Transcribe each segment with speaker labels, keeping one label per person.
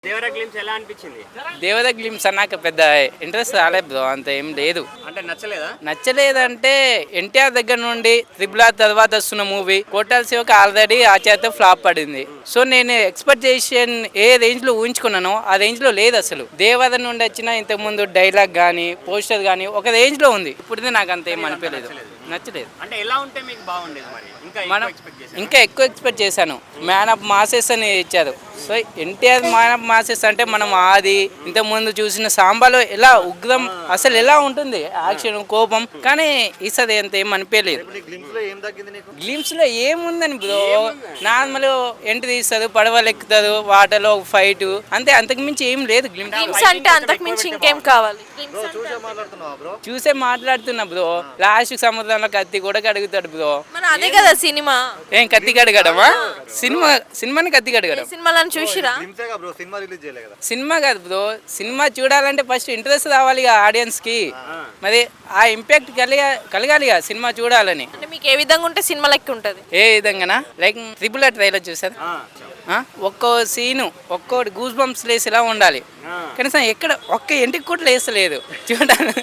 Speaker 1: Devara glimpse ఎలా అనిపించింది?
Speaker 2: దేవద glimpse అన్నాక పెద్ద ఇంట్రెస్ట్ రాలేదు బ్రో, అంత ఏం లేదు.
Speaker 1: అంటే నచ్చలేదా?
Speaker 2: నచ్చలేదంటే ఎన్టీఆర్ దగ్గర నుండి త్రిబుల్ ఆర్ తర్వాత వస్తున్న మూవీ కోటాల శివకి ఆల్రెడీ ఆ చేత ఫ్లాప్ పడింది. సో నేను ఎక్స్పెక్టేషన్ ఏ రేంజ్ లో ఊహించుకున్నానో ఆ రేంజ్ లో లేదు అసలు. దేవద నుండి వచ్చిన ఇంతకుముందు డైలాగ్ కానీ పోస్టర్ కానీ ఒక రేంజ్ లో ఉంది. ఇప్పుడు నాకు అంత ఏం అనిపించలేదు, నచ్చలేదు.
Speaker 1: అంటే ఎలా ఉంటే మీకు బాగుండేది మరి?
Speaker 2: మనం ఇంకా ఎక్కువ ఎక్స్పెక్ట్ చేశాను. మ్యాన్ ఆఫ్ మాసెస్ అని ఇచ్చారు. So NTR man of masses అంటే మనం ఆది ఇంతకుముందు చూసిన సాంబాలో ఎలా ఉగ్రం అసలు ఎలా ఉంటుంది యాక్షన్ కోపం, కానీ ఈసారి అంత ఏం అనిపించలేదు. గ్లిమ్స్ లో ఏముందని బ్రో, నార్మల్ ఎంట్రీ తీస్తారు, పడవలు ఎక్కుతారు, వాటర్లో ఫైట్ అంతే, అంతకు మించి ఏం లేదు.
Speaker 3: గ్లిమ్స్ అంటే అంతకు మించి ఇంకేం కావాలి?
Speaker 2: చూసే మాట్లాడుతున్నా బ్రో. లాస్ట్ సముద్రంలో కత్తి కూడా కడుగుతాడు బ్రో.
Speaker 3: మన అదే కదా సినిమా.
Speaker 2: ఏం కత్తి కడగడమా? సినిమాని కత్తి కడగడం.
Speaker 3: సినిమాలను చూసిరా?
Speaker 2: సినిమా కాదు బ్రో, సినిమా చూడాలంటే ఫస్ట్ ఇంట్రెస్ట్ రావాలి ఆడియన్స్ కి, మరి ఆ ఇంపాక్ట్ కలగాలి సినిమా చూడాలని.
Speaker 3: అంటే మీకు ఏ విధంగా ఉంటే సినిమా లెక్క ఉంటుంది?
Speaker 2: ఏ విధంగానా, లైక్ ట్రిపుల్ ఆర్ ట్రైలర్ చూసారు, ఒక్కో సీను ఒక్కోటి గూస్ బంప్స్ లేసేలా ఉండాలి. కనీసం ఎక్కడ ఒక్క ఇంటికి కూడా లేసలేదు చూడాలి.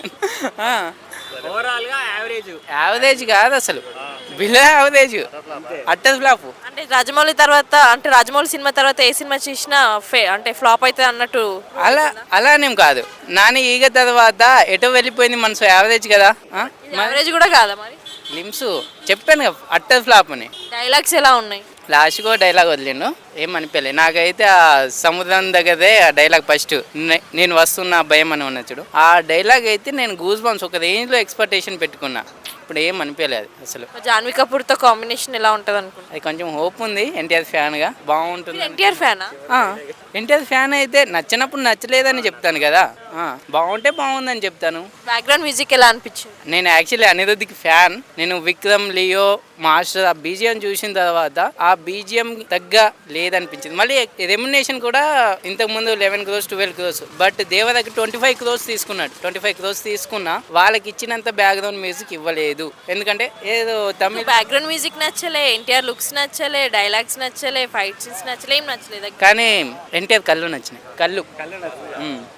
Speaker 1: ఓవరాల్ గా
Speaker 2: యావరేజ్ కాదు అసలు, బిలో యావరేజ్, అట్టర్ ఫ్లాప్.
Speaker 3: అంటే రాజమౌళి తర్వాత, అంటే రాజమౌళి సినిమా తర్వాత ఏ సినిమా చూసినా అంటే ఫ్లాప్ అవుతుంది అన్నట్టు
Speaker 2: అలానేం కాదు. నాని ఈగ తర్వాత ఎటో వెళ్ళిపోయింది మనసు, యావరేజ్ కదా.
Speaker 3: యావరేజ్ కూడా కాదా మరి?
Speaker 2: గ్లిమ్స్ చెప్పాను కదా అట్టర్ ఫ్లాప్ అని.
Speaker 3: డైలాగ్స్ ఎలా ఉన్నాయి?
Speaker 2: లాస్ట్గా డైలాగ్ వదిలిండు, ఏం అనిపించలేదు నాకైతే. ఆ సముద్రం దగ్గరే ఆ డైలాగ్ ఫస్ట్ నేను వస్తున్న భయం అని ఉన్న చూడు, ఆ డైలాగ్ అయితే నేను గూస్ బంప్స్ ఒక రేంజ్లో ఎక్స్పెక్టేషన్ పెట్టుకున్నా. ఇప్పుడు ఏం అనిపించలేదు అసలు.
Speaker 3: జాన్వీ కపూర్ తో కాంబినేషన్ ఎలా ఉంటుంది అనుకుంటా?
Speaker 2: అది కొంచెం హోప్ ఉంది. ఎన్టీఆర్ ఫ్యాన్ గా బాగుంటుంది.
Speaker 3: ఎన్టీఆర్ ఫ్యానా?
Speaker 2: ఎన్టీఆర్ ఫ్యాన్ అయితే నచ్చినప్పుడు నచ్చలేదని చెప్తాను కదా, బాగుంటే బాగుందని చెప్తాను.
Speaker 3: బ్యాక్గ్రౌండ్ మ్యూజిక్ ఎలా అనిపించింది?
Speaker 2: నేను యాక్చువల్లీ అనిరుద్ధికి ఫ్యాన్. నేను విక్రమ్, లియో, మాస్టర్ ఆ బీజిఎం చూసిన తర్వాత ఆ బీజిఎం తగ్గ లేదనిపించింది. మళ్ళీ రెమ్యునేషన్ కూడా ఇంతకు ముందు 11 crores 12 crores, బట్ దేవదకి 25 crores తీసుకున్నాడు. 25 crores తీసుకున్నా వాళ్ళకి ఇచ్చినంత బ్యాక్గ్రౌండ్ మ్యూజిక్ ఇవ్వలేదు. ఎందుకంటే ఏదో తమిళ
Speaker 3: బ్యాక్గ్రౌండ్ మ్యూజిక్ నచ్చలే, ఎన్టీఆర్ లుక్స్ నచ్చలే, డైలాగ్స్ నచ్చలే, ఫైట్ సీన్స్ నచ్చలే, ఏం నచ్చలేదు.
Speaker 2: కానీ ఎన్టీఆర్ కళ్ళు నచ్చినాయి. కళ్ళు